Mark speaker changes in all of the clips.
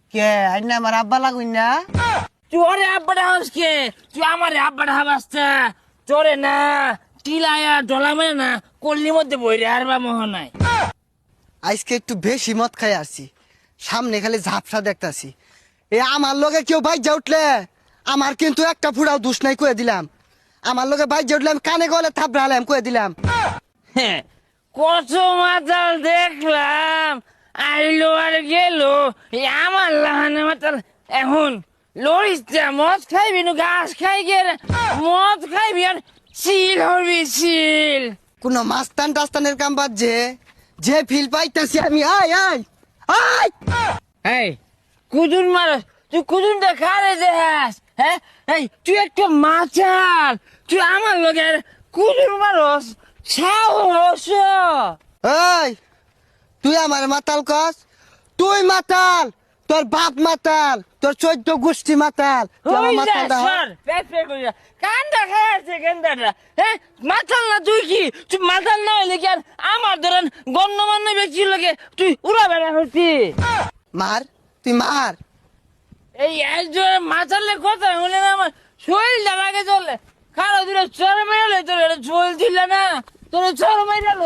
Speaker 1: কে আইনা আমার আব্বা লাগুই না
Speaker 2: তুই ওরে আব্বাটা হাসকে তুই আমার আব্বাটা হাবাসটা তোরে না টিলায়া ডলা মেরে না কল্লির মধ্যে বইরে আর বা মোহ নাই।
Speaker 1: আজকে একটু বেশি মদ খাই আসছি, সামনে খালি ঝাপসা দেখতাছি। এ আমার লগে কেউ বাইক যা উঠলে আমার কিন্তু একটা ফুড়াও দুষ নাই কয়ে দিলাম। আমার লগে বাইক যা উঠলে আমি কানে গলে থাপড়ালাম কয়ে দিলাম।
Speaker 2: হ্যাঁ, কত মাতাল দেখলাম আইলো আর গেল, এই আমার লাহানে মাতাল এখন লড়িস মদ খাইবি নু ঘাস খাই গিয়ে মদ খাইবি আর চিল হবি চিল।
Speaker 1: কোন মাস্তান টাস্তানের কাম বাদ যে ফিল পাইতাছি আমি। আয় আয় আয়
Speaker 2: এই কুদুন মারস তুই কুদুনটা খারে দেখাস? হ্যাঁ, এই তুই একটা মাচাল, তুই আমার লগে কুদুন মারস সাহস?
Speaker 1: এই তুই আমার মাতাল কস? তুই মাতাল, তোর বাপ মাতাল, তোর 14 গোষ্ঠী মাতাল, তুই আমার মাতাল দা।
Speaker 2: কান্দা খাইছে কান্দাটা। হ্যাঁ, মাতাল না তুই কি? তুই মাতাল না হইলে কি আর আমার ধরেন গণ্যমান্য ব্যক্তির লগে তুই উড়া বেড়া হচ্ছি?
Speaker 1: মার, তুই মার।
Speaker 2: এই একজন মাতালের কথা হলে না আমার শরীরটা লাগে চলে। খারাপ দূরে চর মেরালে তোর এটা চল দিল না, তোর চর মেরাল।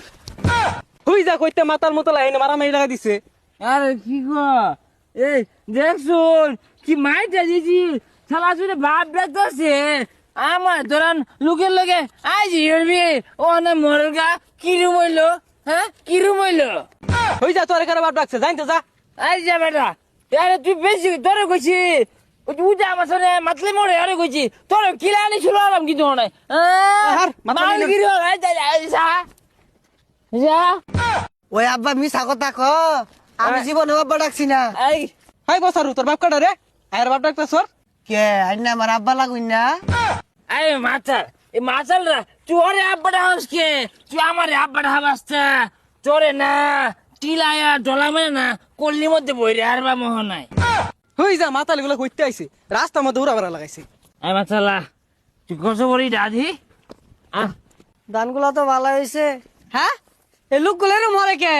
Speaker 3: হুই যা কইতে মাতার মতো লাইনে মারামারি লাগা দিছে।
Speaker 2: আরে কি গো, এই দেখছুন কি মাইটা দিছি শালা জুড়ে ভাব দেখতেছে আমার ধরান লোকের লগে আইজি হইবি ও না মরগা কিরম হইলো? হ্যাঁ, কিরম হইলো?
Speaker 3: হুই যা তোর এখানে বাপ ডাকছে, জানতে যা।
Speaker 2: আই যা বেটা, আরে তুই বেশি তোরে কইছি উজা আমার সাথে মাতলে মরে আরে কইছি তোর কিলা আনি ছিল আরাম কি তো নাই মাল গিরো যা যা।
Speaker 1: ওই আব্বা মিছা কথা ক, আমি জীবনে আব্বা ডাকছি না।
Speaker 2: এই
Speaker 3: হাই বসারু তোর বাপ কাটা রে, আর বাপ ডাকতে সর।
Speaker 1: কে আইনা আমার আব্বা লাগুই না
Speaker 2: এই মাতাল, এই মাতালরা তুই ওরে আব্বাটা হাসকে তুই আমার আব্বাটা হাবাসটা তোরে না টিলায়া ডলা মেরে না কল্লির মধ্যে বইরে আর বা মোহ নাই।
Speaker 3: হুই যা মাতাল গুলো কইতে আইছে, রাস্তার মধ্যে উড়া বেড়া লাগাইছে।
Speaker 2: এই মাতালা তুই কত বড়ি দাদি?
Speaker 1: ধানগুলা তো ভালো হয়েছে।
Speaker 3: হ্যাঁ, এই লোকগুলো মরে কে?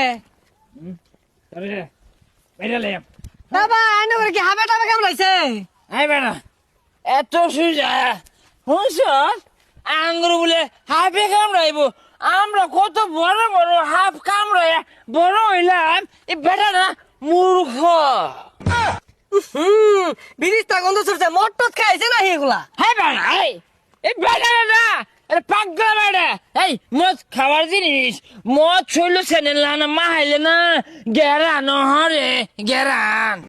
Speaker 1: বাবা আইনা করে কি হাবে টাবে কেমন হয়েছে?
Speaker 2: এই বেটা এত সুজা শুনছ আঙ্গুর বলে হাফে কামড়াইব, আমরা কত বড় বড় হাফ কামড়াই বড় হইলাম, এই বেটা না মূর্খ।
Speaker 1: বিরিশটা গন্ধ ছড়ছে, মটট খাইছে না এগুলা?
Speaker 2: হ্যাঁ বেটা, এই বেটা না এটা পাগলা বেটা। এই মদ খাবার জিনিস, মদ শৈল সেনে না মাহাইলে না গেরান হরে গেরান।